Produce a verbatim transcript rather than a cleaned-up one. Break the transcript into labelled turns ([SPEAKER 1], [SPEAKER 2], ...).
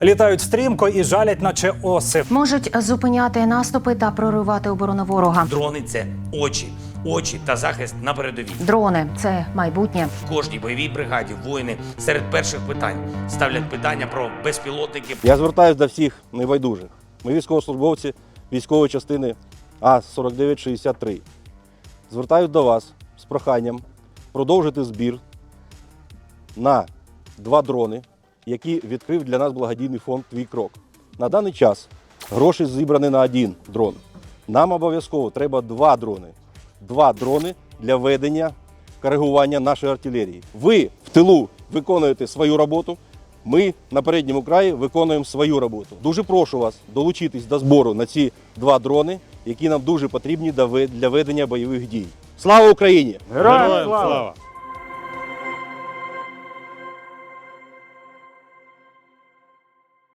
[SPEAKER 1] Літають стрімко і жалять, наче оси.
[SPEAKER 2] Можуть зупиняти наступи та проривати оборону ворога.
[SPEAKER 3] Дрони – це очі. Очі та захист на передовій.
[SPEAKER 2] Дрони – це майбутнє.
[SPEAKER 3] В кожній бойовій бригаді воїни серед перших питань ставлять питання про безпілотники.
[SPEAKER 4] Я звертаюся до всіх небайдужих. Ми військовослужбовці військової частини А сорок дев'ять шістдесят три. Звертаюсь до вас з проханням продовжити збір на два дрони, які відкрив для нас благодійний фонд «Твій крок». На даний час гроші зібрані на один дрон. Нам обов'язково треба два дрони. Два дрони для ведення коригування нашої артилерії. Ви в тилу виконуєте свою роботу, ми на передньому краї виконуємо свою роботу. Дуже прошу вас долучитись до збору на ці два дрони, які нам дуже потрібні для ведення бойових дій. Слава Україні!
[SPEAKER 5] Героям слава!